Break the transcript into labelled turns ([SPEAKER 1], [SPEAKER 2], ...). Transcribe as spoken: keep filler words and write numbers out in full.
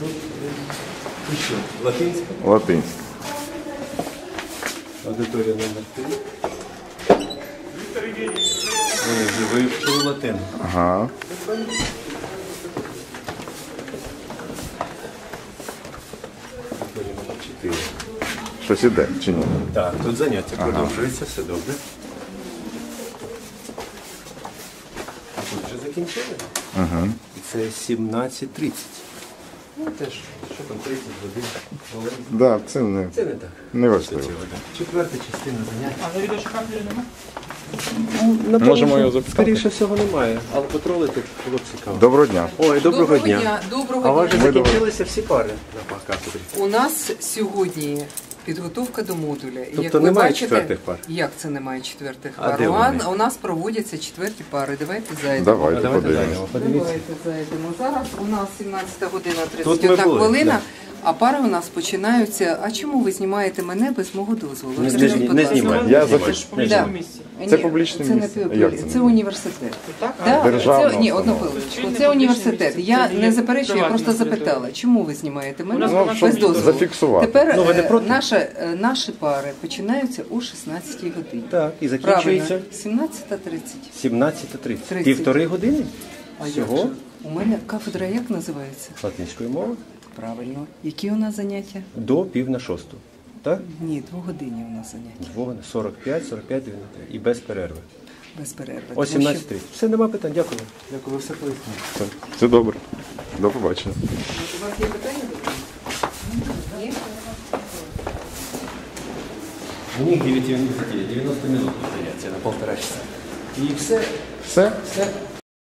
[SPEAKER 1] тут і що? Латинська?
[SPEAKER 2] Латинська.
[SPEAKER 1] Аудиторія номер три. Вони вже вивчили латину.
[SPEAKER 2] Ага.
[SPEAKER 1] Аудиторія номер чотири.
[SPEAKER 2] Щось іде, чи ні?
[SPEAKER 1] Так, тут заняття продовжується, все добре. А тут вже закінчили?
[SPEAKER 2] Ага.
[SPEAKER 1] І це сімнадцять тридцять. Ну теж, що там, тридцять годин. хвилин.
[SPEAKER 2] Да, це не,
[SPEAKER 1] Це не так.
[SPEAKER 2] не важливо.
[SPEAKER 1] Цього, так. Четверта частина заняття.
[SPEAKER 3] А на відеошкамері немає?
[SPEAKER 1] Напевно,
[SPEAKER 2] Можемо
[SPEAKER 1] що,
[SPEAKER 2] його записати?
[SPEAKER 1] скоріше всього немає, але потролити було б цікаво.
[SPEAKER 2] Доброго дня.
[SPEAKER 1] Ой, доброго, дня.
[SPEAKER 4] Доброго
[SPEAKER 1] А у вас
[SPEAKER 4] дня.
[SPEAKER 1] вже закінчилися всі пари на кафедрі?
[SPEAKER 4] У нас сьогодні підготовка до модуля. І,
[SPEAKER 1] Тобто
[SPEAKER 4] як ви
[SPEAKER 1] немає
[SPEAKER 4] бачите,
[SPEAKER 1] четвертих пар?
[SPEAKER 4] Як це немає четвертих
[SPEAKER 1] А
[SPEAKER 4] пар?
[SPEAKER 1] де
[SPEAKER 4] У,
[SPEAKER 1] вони?
[SPEAKER 4] у нас проводяться четверті пари. Давайте зайдемо.
[SPEAKER 2] Давайте
[SPEAKER 1] Давайте
[SPEAKER 2] подивимось.
[SPEAKER 1] зайдемо, подивіться.
[SPEAKER 4] Давайте зайдемо. Зараз у нас сімнадцята година
[SPEAKER 1] Тут
[SPEAKER 4] тридцять одна
[SPEAKER 1] ми були,
[SPEAKER 4] хвилина,
[SPEAKER 1] да.
[SPEAKER 4] а пари у нас починаються. А чому ви знімаєте мене без мого дозволу?
[SPEAKER 1] Не,
[SPEAKER 4] Скажіть,
[SPEAKER 1] не,
[SPEAKER 4] будь
[SPEAKER 1] не
[SPEAKER 4] ласка.
[SPEAKER 1] знімаємо.
[SPEAKER 2] Я
[SPEAKER 1] не знімаємо.
[SPEAKER 2] зафікс-
[SPEAKER 3] В публічному
[SPEAKER 4] Да.
[SPEAKER 3] місці.
[SPEAKER 2] Це
[SPEAKER 4] Ні,
[SPEAKER 2] публічне
[SPEAKER 4] це не
[SPEAKER 2] місце.
[SPEAKER 4] публі-
[SPEAKER 2] Як це
[SPEAKER 4] це
[SPEAKER 2] не?
[SPEAKER 4] університет.
[SPEAKER 3] Так?
[SPEAKER 4] Да,
[SPEAKER 2] Державна
[SPEAKER 4] це, ні, одну
[SPEAKER 2] установа.
[SPEAKER 4] хвилиночку.
[SPEAKER 3] Цивільне
[SPEAKER 4] Це
[SPEAKER 3] публічне
[SPEAKER 4] університет.
[SPEAKER 3] місце.
[SPEAKER 4] Я
[SPEAKER 3] Це є
[SPEAKER 4] не заперечую, я
[SPEAKER 3] приватна
[SPEAKER 4] просто
[SPEAKER 3] територія.
[SPEAKER 4] запитала, чому ви знімаєте мене
[SPEAKER 3] У нас
[SPEAKER 2] Ну,
[SPEAKER 3] на
[SPEAKER 2] щоб
[SPEAKER 4] без дозволу.
[SPEAKER 2] зафіксувати.
[SPEAKER 4] Тепер
[SPEAKER 1] Ну, ви не
[SPEAKER 4] е,
[SPEAKER 1] проти?
[SPEAKER 4] наша, е, наші пари починаються о шістнадцятій годині.
[SPEAKER 1] Так, і
[SPEAKER 4] Правильно,
[SPEAKER 1] закінчується
[SPEAKER 4] сімнадцята тридцять.
[SPEAKER 1] сімнадцята тридцять.
[SPEAKER 4] тридцять.
[SPEAKER 1] Півтори години
[SPEAKER 4] А як
[SPEAKER 1] всього
[SPEAKER 4] же? У мене кафедра як називається?
[SPEAKER 1] латинської мови
[SPEAKER 4] Правильно. Які у нас заняття?
[SPEAKER 1] до пів на шосту. Так?
[SPEAKER 4] Ні, двогодинні у нас заняття.
[SPEAKER 1] Двох, сорок п'ять, сорок п'ять, дев'яносто три. І без перерви.
[SPEAKER 4] Без перерви.
[SPEAKER 1] О
[SPEAKER 4] Тому
[SPEAKER 1] сімнадцять
[SPEAKER 4] що-
[SPEAKER 1] тридцять. Все, нема питань. Дякую. Дякую, ви все пояснили.
[SPEAKER 2] Все, все добре. До побачення.
[SPEAKER 4] У вас є питання до мене? Є?
[SPEAKER 1] У них дев'ять дев'яносто минут заняття на полтора часа. І все.
[SPEAKER 2] Все?
[SPEAKER 1] Все.